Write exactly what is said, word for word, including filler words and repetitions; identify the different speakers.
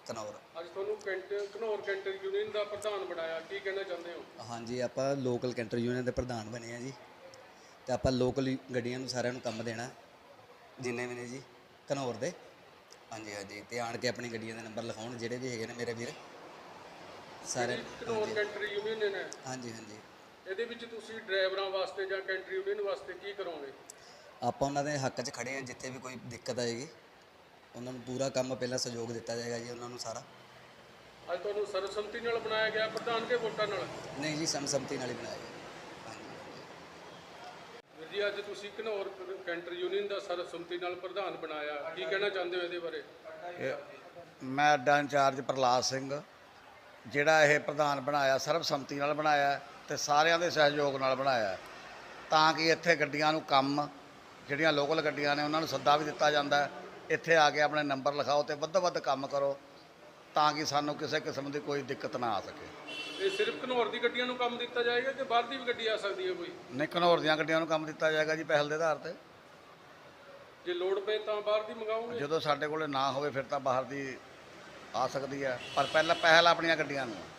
Speaker 1: ਘਨੌਰ।
Speaker 2: ਅੱਜ ਤੁਹਾਨੂੰ canter Ghanaur canter union ਦਾ ਪ੍ਰਧਾਨ ਬਣਾਇਆ, ਕੀ ਕਹਿਣਾ ਚਾਹੁੰਦੇ ਹੋ?
Speaker 1: ਹਾਂਜੀ, ਆਪਾਂ ਲੋਕਲ ਕੈਂਟਰ ਯੂਨੀਅਨ ਦੇ ਪ੍ਰਧਾਨ ਬਣੇ ਆ ਜੀ, ਅਤੇ ਆਪਾਂ ਲੋਕਲ ਗੱਡੀਆਂ ਨੂੰ ਸਾਰਿਆਂ ਨੂੰ ਕੰਮ ਦੇਣਾ, ਜਿੰਨੇ ਵੀ ਨੇ ਜੀ ਘਨੌਰ ਦੇ। ਹਾਂਜੀ ਹਾਂਜੀ, ਅਤੇ ਆਣ ਕੇ ਆਪਣੀ ਗੱਡੀਆਂ ਦੇ ਨੰਬਰ ਲਿਖਾਉਣ ਜਿਹੜੇ ਵੀ ਹੈਗੇ ਨੇ ਮੇਰੇ ਵੀਰ ਸਾਰੇ।
Speaker 2: ਘਨੌਰ ਕੈਂਟਰ ਯੂਨੀਅਨ ਹੈ,
Speaker 1: ਹਾਂਜੀ ਹਾਂਜੀ,
Speaker 2: ਇਹਦੇ ਵਿੱਚ ਤੁਸੀਂ ਡਰਾਈਵਰਾਂ ਵਾਸਤੇ ਜਾਂ ਕੈਂਟਰ ਯੂਨੀਅਨ ਵਾਸਤੇ ਕੀ ਕਰੋਗੇ?
Speaker 1: ਆਪਾਂ ਉਹਨਾਂ ਦੇ ਹੱਕ 'ਚ ਖੜੇ ਹਾਂ। ਜਿੱਥੇ ਵੀ ਕੋਈ ਦਿੱਕਤ ਆਏਗੀ ਉਹਨਾਂ ਨੂੰ ਪੂਰਾ ਕੰਮ ਪਹਿਲਾਂ ਸਹਿਯੋਗ ਦਿੱਤਾ ਜਾਏਗਾ ਜੀ ਉਹਨਾਂ ਨੂੰ ਸਾਰਾ।
Speaker 2: ਅੱਜ ਤੁਹਾਨੂੰ ਸਰਬਸੰਮਤੀ ਨਾਲ ਬਣਾਇਆ ਗਿਆ ਪ੍ਰਧਾਨ ਕੇ ਵੋਟਾਂ ਨਾਲ?
Speaker 1: ਨਹੀਂ ਜੀ, ਸਰਬਸੰਮਤੀ ਨਾਲ ਹੀ ਬਣਾਇਆ ਗਿਆ। ਹਾਂਜੀ
Speaker 2: ਵੀਰ ਜੀ, ਅੱਜ ਤੁਸੀਂ ਘਨੌਰ ਕੈਂਟਰ ਯੂਨੀਅਨ ਦਾ ਸਰਬਸੰਮਤੀ ਨਾਲ ਪ੍ਰਧਾਨ ਬਣਾਇਆ, ਕੀ ਕਹਿਣਾ ਚਾਹੁੰਦੇ ਹੋ ਇਹਦੇ ਬਾਰੇ?
Speaker 3: ਮੈਂ ਅੱਡਾ ਇੰਚਾਰਜ ਪ੍ਰਹਲਾਦ ਸਿੰਘ, ਜਿਹੜਾ ਇਹ ਪ੍ਰਧਾਨ ਬਣਾਇਆ ਸਰਬਸੰਮਤੀ ਨਾਲ ਬਣਾਇਆ ਅਤੇ ਸਾਰਿਆਂ ਦੇ ਸਹਿਯੋਗ ਨਾਲ ਬਣਾਇਆ, ਤਾਂ ਕਿ ਇੱਥੇ ਗੱਡੀਆਂ ਨੂੰ ਕੰਮ, ਜਿਹੜੀਆਂ ਲੋਕਲ ਗੱਡੀਆਂ ਨੇ ਉਹਨਾਂ ਨੂੰ ਸੱਦਾ ਵੀ ਦਿੱਤਾ ਜਾਂਦਾ, ਇੱਥੇ ਆ ਕੇ ਆਪਣੇ ਨੰਬਰ ਲਿਖਾਓ ਅਤੇ ਵੱਧ ਵੱਧ ਕੰਮ ਕਰੋ, ਤਾਂ ਕਿ ਸਾਨੂੰ ਕਿਸੇ ਕਿਸਮ ਦੀ ਕੋਈ ਦਿੱਕਤ ਨਾ ਆ ਸਕੇ।
Speaker 2: ਇਹ ਸਿਰਫ ਘਨੌਰ ਦੀ ਗੱਡੀਆਂ ਨੂੰ ਕੰਮ ਦਿੱਤਾ ਜਾਏਗਾ ਕਿ ਬਾਹਰ ਦੀ ਵੀ ਗੱਡੀ ਆ ਸਕਦੀ ਹੈ ਕੋਈ?
Speaker 3: ਨਹੀਂ, ਘਨੌਰ ਦੀਆਂ ਗੱਡੀਆਂ ਨੂੰ ਕੰਮ ਦਿੱਤਾ ਜਾਏਗਾ ਜੀ, ਪਹਿਲ ਦੇ ਆਧਾਰ 'ਤੇ।
Speaker 2: ਜੇ ਲੋੜ ਪਏ ਤਾਂ ਬਾਹਰ ਦੀ ਮੰਗਾਓਗੇ?
Speaker 3: ਜਦੋਂ ਸਾਡੇ ਕੋਲ ਨਾ ਹੋਵੇ ਫਿਰ ਤਾਂ ਬਾਹਰ ਦੀ ਆ ਸਕਦੀ ਹੈ, ਪਰ ਪਹਿਲਾਂ ਪਹਿਲ ਆਪਣੀਆਂ ਗੱਡੀਆਂ ਨੂੰ।